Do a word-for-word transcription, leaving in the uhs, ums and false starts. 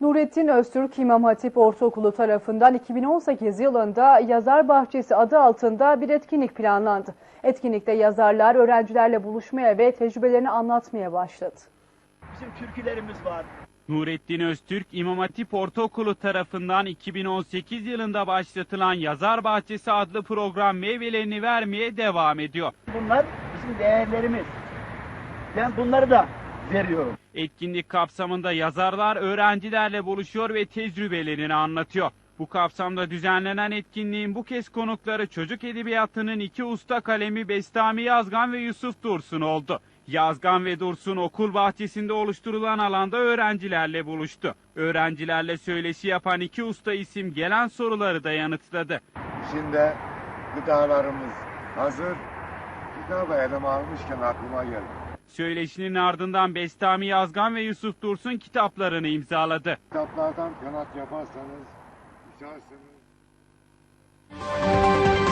Nurettin Öztürk İmam Hatip Ortaokulu tarafından iki bin on sekiz yılında Yazar Bahçesi adı altında bir etkinlik planlandı. Etkinlikte yazarlar öğrencilerle buluşmaya ve tecrübelerini anlatmaya başladı. Bizim türkülerimiz var. Nurettin Öztürk İmam Hatip Ortaokulu tarafından iki bin on sekiz yılında başlatılan Yazar Bahçesi adlı program meyvelerini vermeye devam ediyor. Bunlar bizim değerlerimiz. Ben bunları da veriyorum. Etkinlik kapsamında yazarlar öğrencilerle buluşuyor ve tecrübelerini anlatıyor. Bu kapsamda düzenlenen etkinliğin bu kez konukları çocuk edebiyatının iki usta kalemi Bestami Yazgan ve Yusuf Dursun oldu. Yazgan ve Dursun okul bahçesinde oluşturulan alanda öğrencilerle buluştu. Öğrencilerle söyleşi yapan iki usta isim gelen soruları da yanıtladı. Şimdi gıdalarımız hazır. Kitabı elime almışken aklıma geldi. Söyleşinin ardından Bestami Yazgan ve Yusuf Dursun kitaplarını imzaladı. Kitaplardan kanat yaparsanız, düşerseniz